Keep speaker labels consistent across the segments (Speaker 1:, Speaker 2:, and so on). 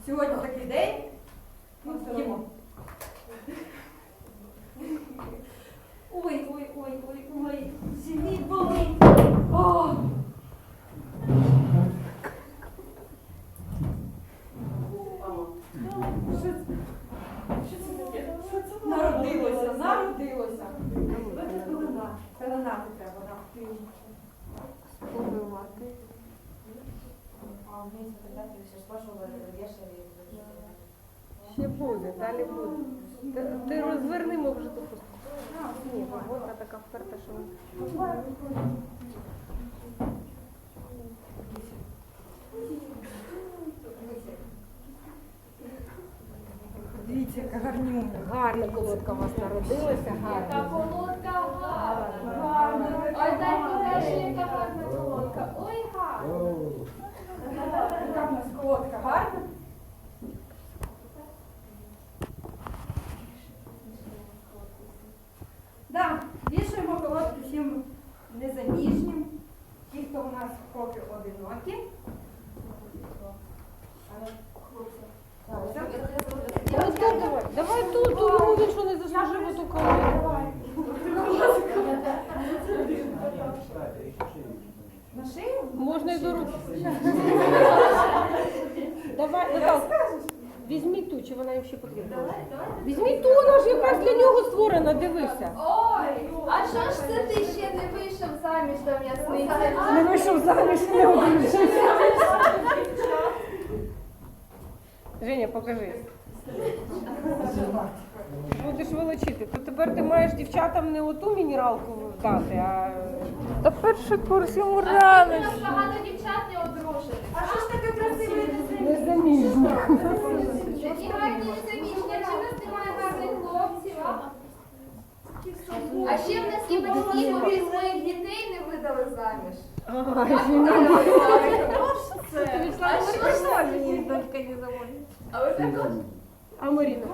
Speaker 1: Сьогодні такий день. Їмо. Ой, живіт болить. О! Народилося. Пеленати треба, так.
Speaker 2: Побивати.
Speaker 3: А вниз передати ще спрашували, вішали.
Speaker 2: Ще буде, далі буде. Ти розверни, може, ту хустку. Ні, робота така вперта, що...
Speaker 1: Дивіться, яка гарнюня.
Speaker 2: Гарна колодка у вас народилася,
Speaker 4: Яка
Speaker 2: гарна.
Speaker 4: колодка гарна. Ой, дай покажи, яка гарна колодка. Ой, гарна.
Speaker 1: Яка в нас колодка гарна. Да, вішаємо колодки всім незаміжнім, ті, хто у нас поки одинокі.
Speaker 2: Ось тут давай. Давай тут, йому він що не заслужив оту колодку.
Speaker 1: На шию?
Speaker 2: Можна і до руки. Давай, Наталка, візьміть ту, чи вона їм ще потрібна? Візьміть ту, вона ж якраз для нього створена, дивися.
Speaker 4: Ой, а що ж це ти ще не вийшов заміж до м'ясниці?
Speaker 2: Не вийшов заміж, не одружився. Женя, покажи. Будеш волочити. То тепер ти маєш дівчатам не оту мінералку дати, а... Та перший курс йому
Speaker 4: У
Speaker 2: рано.
Speaker 4: нас багато дівчат не одружених.
Speaker 1: А що ж таке красиве?
Speaker 2: Незаміжні.
Speaker 4: Такі гарні незаміжні, а чи в нас немає гарних хлопців? А ще в нас є батьки, які своїх дітей не видали заміж. А що ж це?
Speaker 2: Мені дочка не заводить.
Speaker 4: А ви так от?
Speaker 2: А Маріна?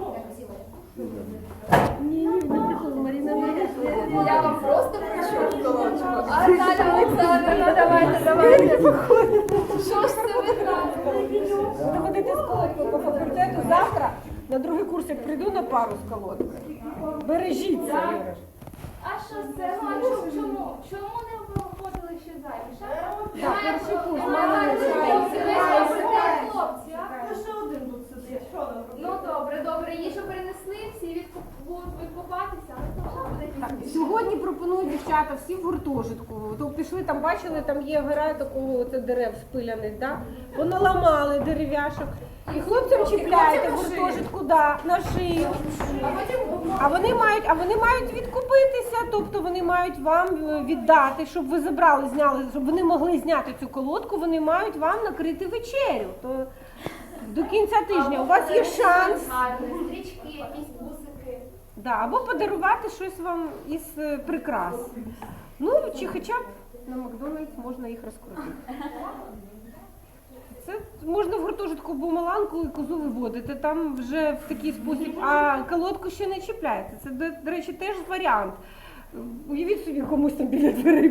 Speaker 2: Ні, не прикол, Маріна не
Speaker 4: Я вам просто причу колодочку. А Наталя Олександрівна, давайте. Що ж це ви так?
Speaker 2: Буду ходити з колодкою по факультету завтра. На другий курс, як прийду на пару з колодкою. Бережіться, Юраш.
Speaker 4: А що це? Ну, а чому? Чому не виходили ще заміж?
Speaker 2: Так, перший курс,
Speaker 4: Мама,
Speaker 2: мама,
Speaker 4: хлопці, ви сидять, хлопці, а?
Speaker 1: Ще один тут сидить. Що нам робити?
Speaker 4: Ну, добре, їжу принесли, всі будуть відкупатися, але то вже буде
Speaker 2: Так,
Speaker 4: пізніше.
Speaker 2: сьогодні пропоную дівчата всі в гуртожитку. То пішли, там бачили, там є гора такого оце дерев спиляних, да? Поналамали дерев'яшок. І хлопцям чіпляєте в гуртожитку, да, на шию. А вони мають відкупитися, тобто вони мають вам віддати, щоб ви забрали, зняли, щоб вони могли зняти цю колодку, вони мають вам накрити вечерю. То до кінця тижня у вас є шанс.
Speaker 4: Гарні стрічки, якісь бусики.
Speaker 2: Да, або подарувати щось вам із прикрас. Ну, чи хоча б на Макдональдс можна їх розкрутити. Це можна в гуртожитку бумаланку і козу виводити, там вже в такий спосіб, а колодку ще не чіпляєте. Це, до речі, теж варіант. Уявіть собі, комусь там біля дверей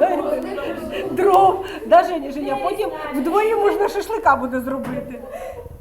Speaker 2: понакладаєте дров. Да, Женя, потім вдвоє можна шашлика буде зробити.